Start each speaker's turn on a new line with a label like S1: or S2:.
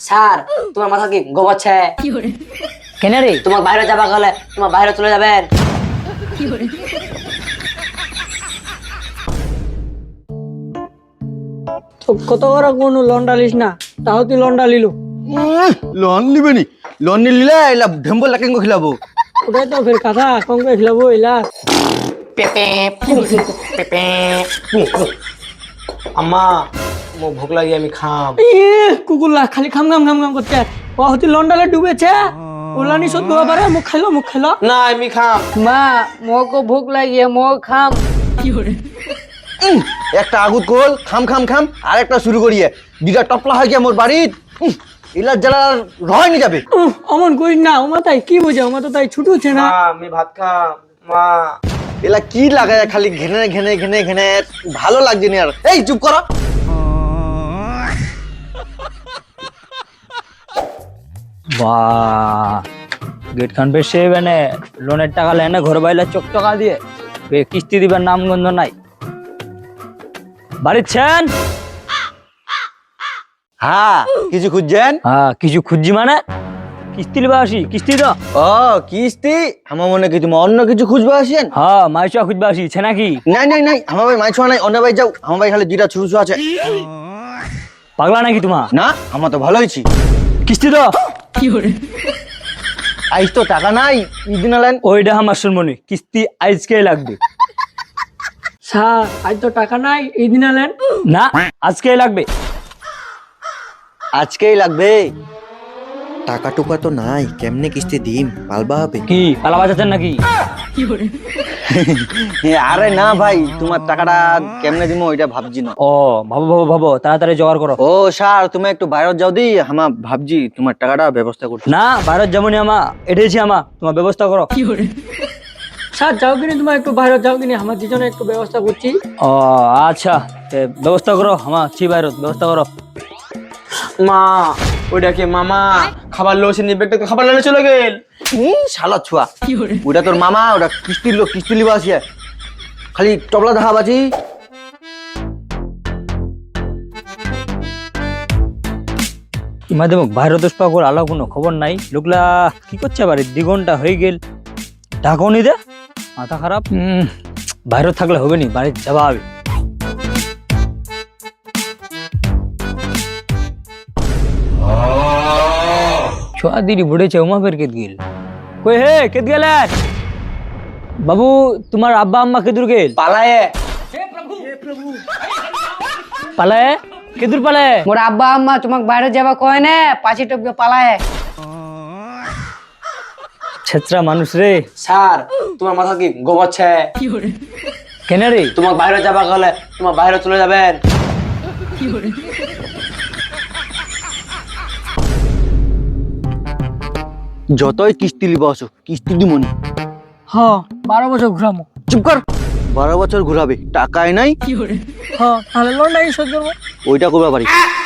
S1: Sir তোমার মাথা কি গোবাচ্ছে?
S2: কেন রে?
S1: তোমার বাইরে যাবা গেলে তোমার বাইরে চলে যাবেন।
S2: তো কত বড় কোন লন্ডা লিস না, তাও তুই লন্ডা লিলু।
S3: লোন নিবে নি? লোন নিলে এলা ঢেম্বল লাকেন খিলাবো।
S2: ওটাই তো ফের কথা, কম করে খিলাবো এলা।
S4: আম্মা মো ভোক লাগি আমি খাম।
S2: কুকুরলা খালি খাম খাম খাম খাম করতে, ও হতি লন্ডালে ডুবেছে, ওলানি সদ গোয়া পারে, মুখ খাইলো।
S4: না আমি খাম।
S2: মা মোকে ভুক লাগিয়ে মো খাম।
S3: একটা আগুত কোল খাম খাম খাম আর একটা শুরু করিয়ে দুটা টপলা হয় গিয়া মোর বাড়িত এলার জ্বালা রয় নি যাবে।
S2: অমন করিস না, ওমা তাই কি বোঝে, ওমা তো তাই ছুটুছে না।
S4: মা আমি ভাত খাম। মা
S3: এলা কি লাগায় খালি ঘেনে ঘেনে ঘেনে ঘেনে, ভালো লাগছে না আর। এই চুপ করো।
S5: বাহ, গেট খান বেশি মানে লোনের টাকা লেনে ঘর বাইলে চকচকা দিয়ে কিস্তি দিবার নাম গন্ধ নাই। বাড়িছেন?
S3: হ্যাঁ কিছু খুঁজছেন?
S5: হ্যাঁ কিছু খুঁজছি মানে কিস্তি লিবা আসি, কিস্তি তো।
S3: ও কিস্তি? আমার মনে কি তুমি অন্য কিছু খুঁজবা আসেন?
S5: হ্যাঁ মাইচা খুঁজবা আসি, ছে নাকি?
S3: নাই নাই নাই, আমার ভাই মাছ নাই, অন্য ভাই যাও, আমার ভাই খালি দুইটা ছুরু আছে।
S5: পাগলা নাকি তোমার?
S3: না আমার তো ভালো হয়েছি।
S5: কিস্তি তো
S3: আইস তো টাকা নাই, ঈদিন আলেন।
S5: ওইটা আমার শুনবনি, কিস্তি আজকে লাগবে।
S2: স্যার আজ তো টাকা নাই, এই দিন আলেন।
S5: না আজকে লাগবে।
S3: আজকেই লাগবে? টাকা টুকা তো নাই, কেমনে কিস্তি দিম? পালবা হবে
S5: কি পালা বাজাচ্ছেন নাকি?
S3: আরে না ভাই, তোমার টাকাটা কেমনে দিমো ওইটা ভাবছি না।
S5: ও ভাবো ভাবো ভাবো, তাড়াতাড়ি জোগাড় করো।
S3: ও স্যার তুমি একটু বাইরে যাও দি, আমা ভাবছি তোমার টাকাটা ব্যবস্থা করছি।
S5: না ভারত যেমনই আমা এটেছি আমা, তোমার ব্যবস্থা করো।
S2: স্যার যাও কিনি, তোমার একটু বাইরে যাও কিনি, আমার দুজনে একটু ব্যবস্থা করছি।
S5: ও আচ্ছা, তে ব্যবস্থা করো, আমার ছি বাইরত ব্যবস্থা করো।
S4: মা ওইটা কি মামা খাবার লোসে নিবে, একটা খাবার লেনে চলে গেল।
S3: শালা ছুয়া, ওটা তোর মামা, ওটা কিস্তির লোক, কিস্তি লিবা আসিয়া খালি টবলা দেখা বাজি।
S5: ইমাদে মোক বাইরে দোষ পা করে আলো কোনো খবর নাই, লোকলা কি করছে বাড়ি 2 ঘন্টা হয়ে গেল, ডাকও নি দে, মাথা খারাপ। বাইরে থাকলে হবে নি, বাড়ি যাবা হবে। ছোয়া দিদি বুড়েছে, উমা ফের কেত গেল। কই হে কেত গেল? বাবু তোমার আব্বা আম্মা কেদুর গেল?
S4: পালায়ে।
S5: পালায়? কেদুর পালায়?
S2: মোর আব্বা আম্মা তোমাক বাইরে যাবা কয় না, পাঁচি টপকে পালায়।
S5: ছেত্রা মানুষ রে।
S4: স্যার তোমার মাথা কি গোবাচ্ছে?
S5: কেন রে?
S4: তোমার বাইরে যাবা গেলে তোমার বাইরে চলে যাবেন।
S3: যতই কিস্তি লিবা আসো, কিস্তি দিমনি।
S2: হ্যাঁ 12 বছর ঘুরামো।
S3: চুপ কর। 12 বছর ঘুরাবে, টাকাই নাই,
S2: হ্যাঁ তাহলে লন্ডাই শোধ করবো।
S3: ওইটা করবা পারি।